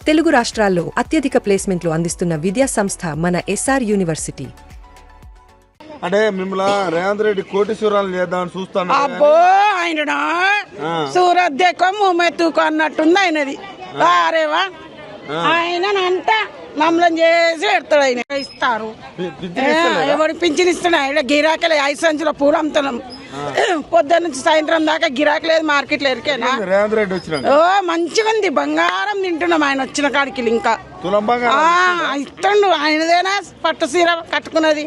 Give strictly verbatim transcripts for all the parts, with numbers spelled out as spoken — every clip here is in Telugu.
తెలుగు రాష్ట్రాల్లో అత్యధిక ప్లేస్మెంట్లు అందిస్తున్న విద్యా సంస్థ మన ఎస్ఆర్ యూనివర్సిటీ. అంటే మిమ్మల్ని రేవంత్ రెడ్డి కోటీశ్వరాలు చేద్దామని చూస్తాను. అబ్బో ఆయన సూరత్ దేకో మూమెత్తుకో అన్నట్టుంది ఆయనది. అరేవా ఆయన అంట మమ్మల్ని చేసి పెడతాడు. ఆయన ఇస్తారు ఎవరు పింఛన్ ఇస్తాడు. ఆయన గిరాకీ ఐదు సంచుల పూలు అమ్ముతున్నాం. పొద్దున్న నుంచి సాయంత్రం దాకా గిరాకీ లేదు మార్కెట్లో ఎరికేనా. రేవంత్ రెడ్డి వచ్చిన ఓ మంచిగా ఉంది, బంగారం తింటున్నాం ఆయన వచ్చిన కాడికి. ఇంకా ఇస్తుండు ఆయనదేనా పట్టు సీర కట్టుకున్నది.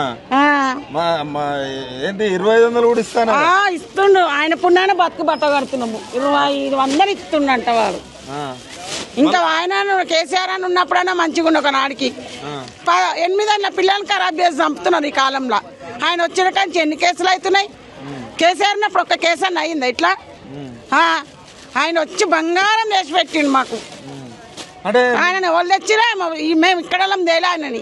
ఏంటి ఇరవై ఐదు వందలు కూడా ఇస్తాను ఇస్తుండు. ఆయన పుణ్యాన బతుకు బట్ట కడుతున్నాము. ఇరవై ఐదు వందలు ఇస్తుండంట వాడు. ఇంకా ఆయన కేసీఆర్ అని ఉన్నప్పుడైనా మంచిగా ఉండు. ఒక నాడికి ఎనిమిది అన్న పిల్లల్ని ఖరాబ్ చేసి చంపుతున్నారు ఈ కాలంలో. ఆయన వచ్చిన కానీ ఎన్ని కేసులు అవుతున్నాయి. కేసీఆర్ అన్నప్పుడు ఒక్క కేసు అన్న అయిందా ఇట్లా? ఆయన వచ్చి బంగారం చేసి పెట్టిండు మాకు. ఆయన వాళ్ళు తెచ్చిరా మేము ఇక్కడ తేలే ఆయనని.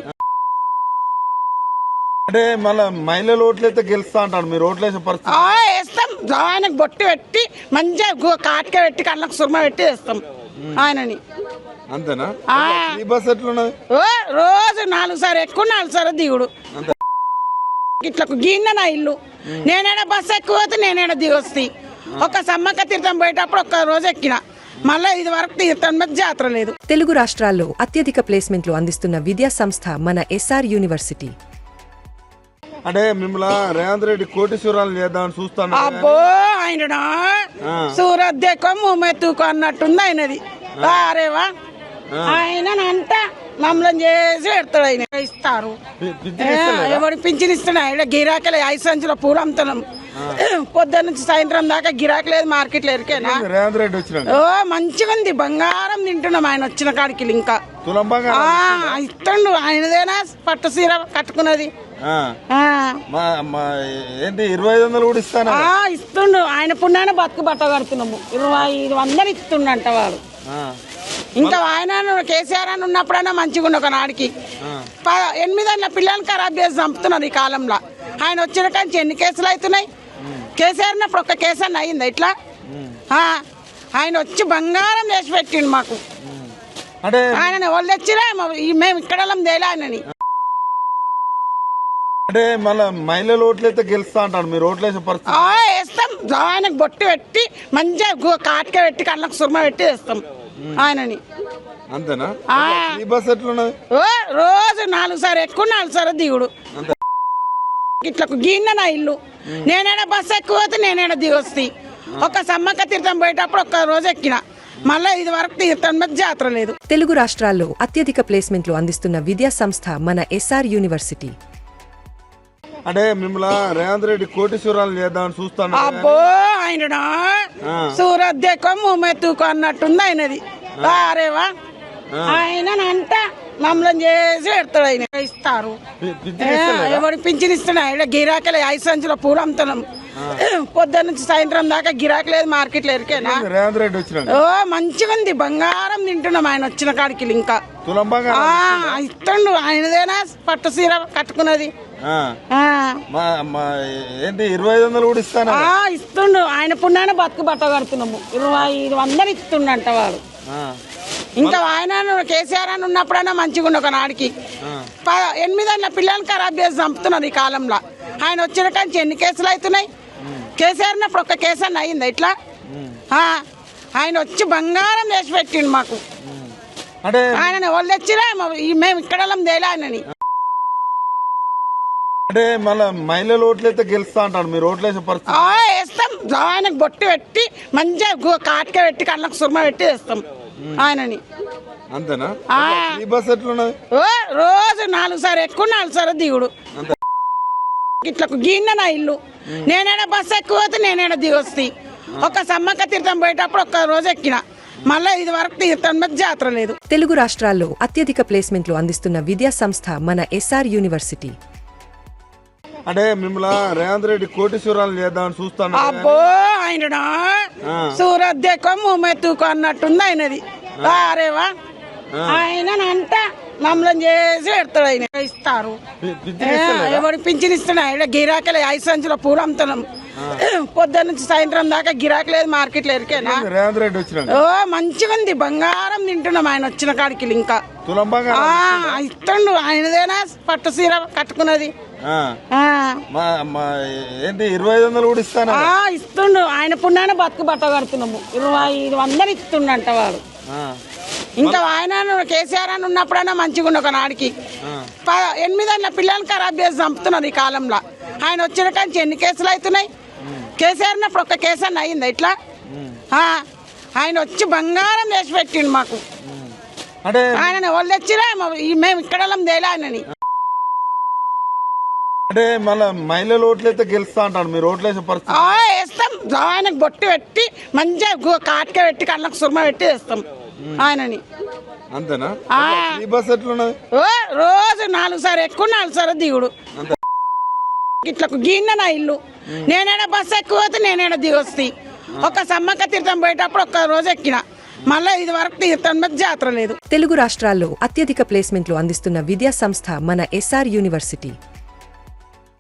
అంటే మళ్ళీ మహిళలు ఓట్లయితే గెలుస్తా అంటాడు. మీరు ఓట్లేసే పరిస్థితి వేస్తాం. ఆయనకు బొట్టు పెట్టి మంచిగా కాటిక పెట్టి కళ్ళకు సుర్మ పెట్టి వేస్తాం ఆయనని. అంతేనా? ఈ బస్ ఎట్లున్నది? రోజు నాలుగు సార్లు ఎక్కువ నాలుగు సార్లు దిగుడు. ఇట్లా గిన్నె నా ఇల్లు. నేనేడా బస్సు ఎక్కువ పోతే నేనేడా దిగొస్తాయి. ఒక సమ్మక్క తీర్థం పోయేటప్పుడు ఒక్క రోజు ఎక్కిన. మళ్ళీ ఇది వరకు తీర్థం మీద జాతర లేదు. తెలుగు రాష్ట్రాల్లో అత్యధిక ప్లేస్మెంట్లు అందిస్తున్న విద్యా సంస్థ మన ఎస్ఆర్ యూనివర్సిటీ. అంటే మిమ్మల్ని రేవంత్ రెడ్డి కోటీశ్వరాలు చేద్దామని చూస్తాను. అబ్బో ఆయన సూరత్ దేకో మూమెత్తుకో అన్నట్టుంది ఆయనది. అరేవా ఆయన అంట మమ్మల్ని చేసి పెడతాడు. ఆయన ఇస్తారు ఎవరు పింఛన్ ఇస్తాడు. ఆయన గిరాకీ ఐదు సంచుల పూలు అమ్ముతున్నాం. పొద్దున్న నుంచి సాయంత్రం దాకా గిరాకీ లేదు మార్కెట్లో ఎరికేనా. రేవంత్ రెడ్డి వచ్చిన ఓ మంచిగా ఉంది, బంగారం తింటున్నాం ఆయన వచ్చిన కాడికి. ఇంకా ఇస్తుండు ఆయనదేనా పట్టు సీర కట్టుకున్నది. ఏంటి ఇరవై ఐదు వందలు కూడా ఇస్తాను ఇస్తుండు. ఆయన పుణ్యాన బతుకు బట్ట కడుతున్నాము. ఇరవై ఐదు వందలు ఇస్తుండంట వాడు. ఇంకా ఆయన కేసీఆర్ అని ఉన్నప్పుడైనా మంచిగా ఉండు. ఒక నాడికి ఎనిమిది అన్న పిల్లల్ని ఖరాబ్ చేసి చంపుతున్నారు ఈ కాలంలో. ఆయన వచ్చిన కానీ ఎన్ని కేసులు అవుతున్నాయి. కేసీఆర్ అన్నప్పుడు ఒక్క కేసు అన్న అయిందా ఇట్లా? ఆయన వచ్చి బంగారం చేసి పెట్టిండు మాకు. ఆయన వాళ్ళు తెచ్చిరా మేము ఇక్కడ తేలే ఆయనని. అంటే మళ్ళీ మహిళలు ఓట్లయితే గెలుస్తా అంటాడు. మీరు ఓట్లేసే పరిస్థితి వేస్తాం. ఆయనకు బొట్టు పెట్టి మంచిగా కాటిక పెట్టి కళ్ళకు సుర్మ పెట్టి వేస్తాం ఆయనని. అంతేనా? ఈ బస్ ఎట్లున్నది? రోజు నాలుగు సార్లు ఎక్కువ నాలుగు సార్లు దిగుడు. ఇట్లా గిన్నె నా ఇల్లు. నేనేడా బస్సు ఎక్కువ పోతే నేనేడా దిగొస్తాయి. ఒక సమ్మక్క తీర్థం పోయేటప్పుడు ఒక్క రోజు ఎక్కిన. మళ్ళీ ఇది వరకు తీర్థం మీద జాతర లేదు. తెలుగు రాష్ట్రాల్లో అత్యధిక ప్లేస్మెంట్లు అందిస్తున్న విద్యా సంస్థ మన ఎస్ఆర్ యూనివర్సిటీ. అంటే మిమ్మల్ని రేవంత్ రెడ్డి కోటీశ్వరాలు చేద్దామని చూస్తాను. అబ్బో ఆయన సూరత్ దేకో మూమెత్తుకో అన్నట్టుంది ఆయనది. అరేవా ఆయన అంట మమ్మల్ని చేసి పెడతాడు. ఆయన ఇస్తారు ఎవరు పింఛన్ ఇస్తాడు. ఆయన గిరాకీ ఐదు సంచుల పూలు అమ్ముతున్నాం. పొద్దున్న నుంచి సాయంత్రం దాకా గిరాకీ లేదు మార్కెట్లో ఎరికేనా. రేవంత్ రెడ్డి వచ్చిన ఓ మంచిగా ఉంది, బంగారం తింటున్నాం ఆయన వచ్చిన కాడికి. ఇంకా ఇస్తుండు ఆయనదేనా పట్టు సీర కట్టుకున్నది. ఏంటి ఇరవై ఐదు వందలు కూడా ఇస్తాను ఇస్తుండు. ఆయన పుణ్యాన బతుకు బట్ట కడుతున్నాము. ఇరవై ఐదు వందలు ఇస్తుండంట వాడు. ఇంకా ఆయన కేసీఆర్ అని ఉన్నప్పుడైనా మంచిగా ఉండు. ఒక నాడికి ఎనిమిది అన్న పిల్లల్ని ఖరాబ్ చేసి చంపుతున్నారు ఈ కాలంలో. ఆయన వచ్చిన కానీ ఎన్ని కేసులు అవుతున్నాయి. కేసీఆర్ అన్నప్పుడు ఒక్క కేసు అన్న అయిందా ఇట్లా? ఆయన వచ్చి బంగారం చేసి పెట్టిండు మాకు. ఆయన వాళ్ళు తెచ్చిరా మేము ఇక్కడ తేలే ఆయనని. అంటే మళ్ళీ మహిళలు ఓట్లయితే గెలుస్తా అంటాడు. మీరు ఓట్లేసే పరిస్థితి వేస్తాం. ఆయనకు బొట్టు పెట్టి మంచిగా కాటిక పెట్టి కళ్ళకు సుర్మ పెట్టి వేస్తాం ఆయనని. అంతేనా? ఈ బస్ ఎట్లున్నది? రోజు నాలుగు సార్లు ఎక్కువ నాలుగు సార్లు దిగుడు. ఇట్లా గిన్నె నా ఇల్లు. నేనేడా బస్సు ఎక్కువ పోతే నేనేడా దిగొస్తాయి. ఒక సమ్మక్క తీర్థం పోయేటప్పుడు ఒక్క రోజు ఎక్కిన. మళ్ళీ ఇది వరకు తీర్థం మీద జాతర లేదు. తెలుగు రాష్ట్రాల్లో అత్యధిక ప్లేస్మెంట్లు అందిస్తున్న విద్యా సంస్థ మన ఎస్ఆర్ యూనివర్సిటీ. అంటే మిమ్మల్ని రేవంత్ రెడ్డి కోటీశ్వరాలు చేద్దామని చూస్తాను. అబ్బో ఆయన సూరత్ దేకో మూమెత్తుకో అన్నట్టుంది ఆయనది. అరేవా ఆయన అంట మమ్మల్ని చేసి పెడతాడు. ఆయన ఇస్తారు ఎవరు పింఛన్ ఇస్తాడు. ఆయన గిరాకీ ఐదు సంచుల పూలు అమ్ముతున్నాం. పొద్దున్న నుంచి సాయంత్రం దాకా గిరాకీ లేదు మార్కెట్లో ఎరికేనా రేవంత్ రెడ్డి వచ్చినాక ఓ మంచిగా ఉంది బంగారం తింటున్నాం ఆయన వచ్చిన కాడికి ఇంకా తులం బంగారం ఆ, ఇస్తుండు ఆయనదేనా పట్టు సీర కట్టుకున్నది ఆ. ఆ, మా- మా ఏంటి ఇరవై ఐదు వందలు కూడా ఇస్తాను ఆ, ఇస్తుండు ఆయన పుణ్యాన బతుకు బట్ట కడుతున్నాము ఇరవై ఐదు వందలు ఇస్తుండంట వాడు ఇంకా ఆయన కేసీఆర్ అని ఉన్నప్పుడైనా మంచిగా ఉండు ఒకనాడికి ప- ఎనిమిది అన్న పిల్లల్ని ఖరాబ్ చేసి చంపుతున్నారు ఈ కాలంలో ఆయన వచ్చిన కానీ ఎన్ని కేసులు అవుతున్నాయి కేసీఆర్ ఉన్నప్పుడు ఒక్క కేసు అన్న అయిందా ఇట్లా ఆ, ఆయన వచ్చి బంగారం చేసి పెట్టిండు మాకు అంటే ఆయన వాళ్ళు తెచ్చిరా మేము ఇక్కడ తేలే ఆయనని అంటే మళ్ళీ మహిళలు ఓట్లయితే గెలుస్తా అంటాడు మీరు ఓట్లేసే పరిస్థితి ఆ, వేస్తాం ఆయనకు బొట్టు పెట్టి మంచిగా గు- కాటిక పెట్టి కళ్ళకు సుర్మ పెట్టి వేస్తాం ఆయనని అంతేనా ఆ. ఈ బస్ ఎట్లున్నది ఓ రోజు నాలుగు సార్లు ఎక్కువ నాలుగు సార్లు దిగుడు అంతే ఇట్లా గిన్నె నా ఇల్లు నేనైనా బస్సు ఎక్కువ పోతే నేనైనా దిగొస్తాయి ఒక సమ్మక్క తీర్థం పోయేటప్పుడు ఒక్క రోజు ఎక్కిన మళ్ళీ ఇది వరకు తీర్థం మీద జాతర లేదు తెలుగు రాష్ట్రాల్లో అత్యధిక ప్లేస్మెంట్లు అందిస్తున్న విద్యా సంస్థ మన ఎస్ఆర్ యూనివర్సిటీ